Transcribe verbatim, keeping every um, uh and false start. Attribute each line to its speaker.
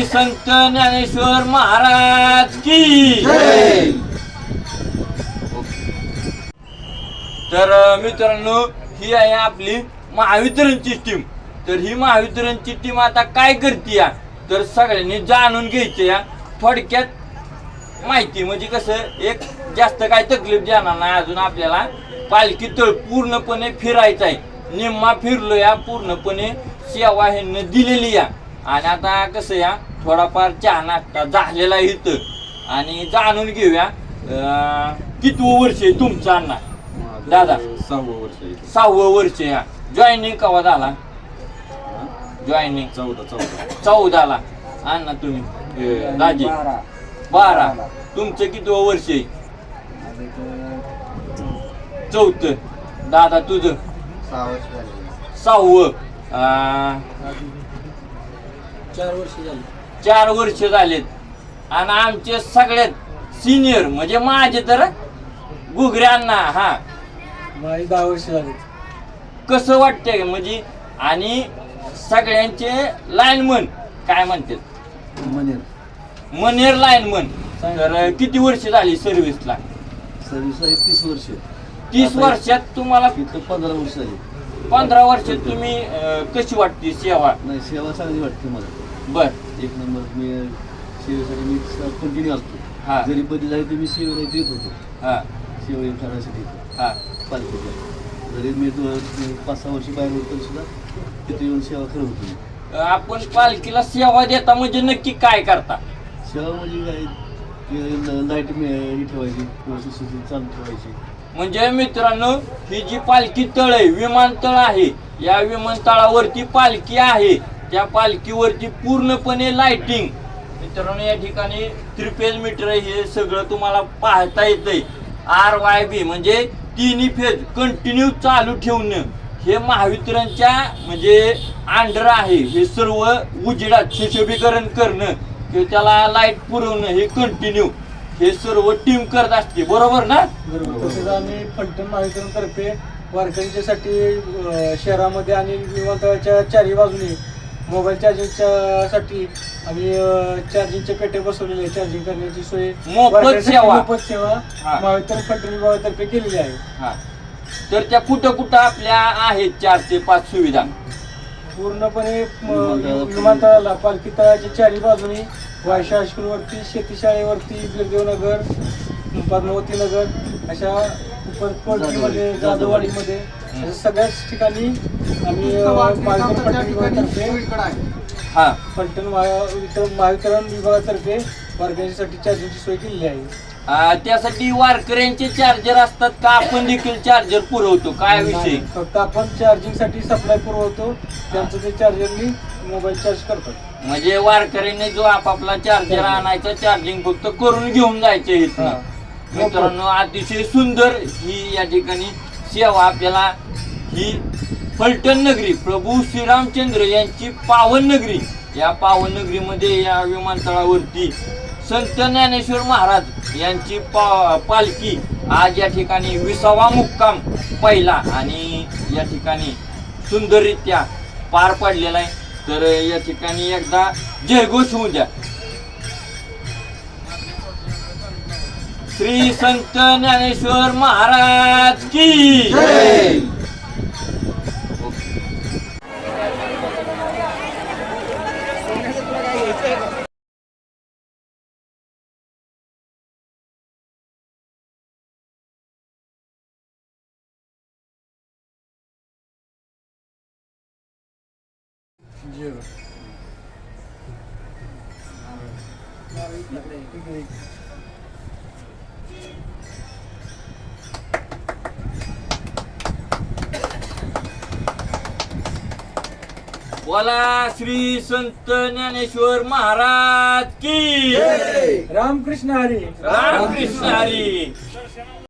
Speaker 1: श्री संत ज्ञानेश्वर महाराज की जय. तर मित्रांनो, ही आहे आपली महावितरणची टीम. तर ही महावितरणची टीम आता काय करते या, तर सगळ्यांनी जाणून घ्यायचं या थोडक्यात माहिती. म्हणजे कसं, एक जास्त काय तकलीफ जाणार नाही. अजून आपल्याला पालखी तळ पूर्णपणे फिरायचं आहे. निम्मा फिरलो या, पूर्णपणे सेवा ह्यांनी दिलेली या. आणि आता कसं या, थोडाफार चहा नाश्ता झालेला इथं. आणि जाणून घेऊया कितवं वर्ष आहे तुमचं अण्णा दादा?
Speaker 2: सहावं वर्ष.
Speaker 1: सहावं वर्ष या. जॉईनिंग केव्हा झाला? जॉईनिंग
Speaker 2: चौदा चौदा
Speaker 1: चौदाला. अण्णा तुम्ही दाजी? बारा. तुमचं कितवं वर्ष आहे? चौथं. दादा तुझं? सहावं.
Speaker 3: चार वर्ष झाली.
Speaker 1: चार वर्ष झालेत. आणि आमचे सगळ्यात सिनियर म्हणजे माझे तर गुगऱ्यांना हा
Speaker 3: माझी दहा वर्ष झाली.
Speaker 1: कसं वाटतंय म्हणजे, आणि सगळ्यांचे लाईनमन काय म्हणतात,
Speaker 3: मनेर
Speaker 1: मनेर लाईनमन. तर किती वर्ष झाली सर्व्हिसला?
Speaker 3: सर्व्हिस आहे तीस वर्ष.
Speaker 1: तीस वर्षात तुम्हाला
Speaker 3: इथं पंधरा वर्ष झाली.
Speaker 1: पंधरा वर्षात तुम्ही अं, कशी वाटते सेवा?
Speaker 3: नाही, सेवा चांगली वाटते मला.
Speaker 1: बर.
Speaker 3: एक नंबर. मी सेवेसाठी मी कंटिन्यू असतो.
Speaker 1: हा.
Speaker 3: जरी बदली झाली तर मी सेवेला इथे येत होतो.
Speaker 1: हा
Speaker 3: सेवा करण्यासाठी
Speaker 1: हा
Speaker 3: पालखीला. जरी मी दो- पाच सहा वर्ष बाहेर होतो तरी सुद्धा तिथे येऊन सेवा करत होतो मी.
Speaker 1: आपण पालखीला सेवा देता म्हणजे नक्की काय करता?
Speaker 3: सेवा म्हणजे काय, लाईट ही ठेवायची, व्यवस्थित चालू ठेवायची.
Speaker 1: म्हणजे मित्रांनो, ही जी पालखी तळ आहे, विमानतळ आहे. या विमानतळावरती पालखी आहे. त्या पालखीवरती पूर्णपणे लाइटिंग. मित्रांनो, या ठिकाणी त्रिफेज मीटर हे सगळं तुम्हाला पाहता येतंय. आर वाय बी म्हणजे तिन्ही फेज कंटिन्यू चालू ठेवणं हे महावितरणच्या म्हणजे अंडर आहे. हे सर्व उजेडात सुशोभीकरण करणं किंवा त्याला लाईट पुरवणं हे कंटिन्यू हे सर्व टीम करत असते. बरोबर ना?
Speaker 4: बरोबर. तसेच आम्ही फलटण महावितरणतर्फे वारकऱ्यांच्यासाठी अ, शहरामध्ये आणि विमानतळाच्या चारही बाजूने मोबाईल चार्जिंगच्या साठी आम्ही अ, चार्जिंगचे पेटे बसवलेले आहे. चार्जिंग करण्याची सोय
Speaker 1: मोफत
Speaker 4: वारकऱ्यांसाठी
Speaker 1: सेवा.
Speaker 4: मोफत सेवा
Speaker 1: हा.
Speaker 4: महावितरण फलटण विभागातर्फे केलेली आहे.
Speaker 1: हा. तर त्या कुठं कुठं आपल्या आहेत चार ते पाच सुविधा?
Speaker 4: पूर्णपणे म, विमानतळाला पालखी तळाच्या चारही बाजूने वायशा हायस्कूलवरती, शेतीशाळेवरती, बिरदेवनगर, पद्मावती नगर अशा उपरकोटमध्ये, जाधववाडीमध्ये अशा सगळ्याच ठिकाणी आम्ही अ, महावितरण फलटण विभागातर्फे
Speaker 1: हा.
Speaker 4: फलटण महावितरण महावितरण विभागातर्फे वारकऱ्यांसाठी चार्जिंगची सोय केलेली आहे.
Speaker 1: आ, त्यासाठी वारकऱ्यांचे चार्जर असतात का आपण देखील चार्जर पुरवतो? काय विषय?
Speaker 4: नाही, फक्त आपण चार्जिंगसाठी सप्लाय पुरवतो. त्यांचं ते चार्जरनी मोबाईल चार्ज करतात.
Speaker 1: म्हणजे वारकऱ्यांनी जो आपापला चार्जर आणायचा, चार्जिंग फक्त करून घेऊन जायचे इथनं.
Speaker 4: हा.
Speaker 1: मित्रांनो, अतिशय सुंदर ही या ठिकाणी सेवा आपल्याला ही फलटण नगरी, प्रभू श्रीरामचंद्र यांची पावन नगरी. या पावन नगरीमध्ये या विमानतळावरती संत ज्ञानेश्वर महाराज यांची पा पालखी आज या ठिकाणी विसावा मुक्काम पहिला आणि या ठिकाणी सुंदररित्या पार पडलेला आहे. तर या ठिकाणी एकदा जयघोष होऊ द्या. श्री संत ज्ञानेश्वर महाराज की जय. बोला श्री संत ज्ञानेश्वर महाराज की
Speaker 4: रामकृष्ण हरी.
Speaker 1: रामकृष्ण हरी.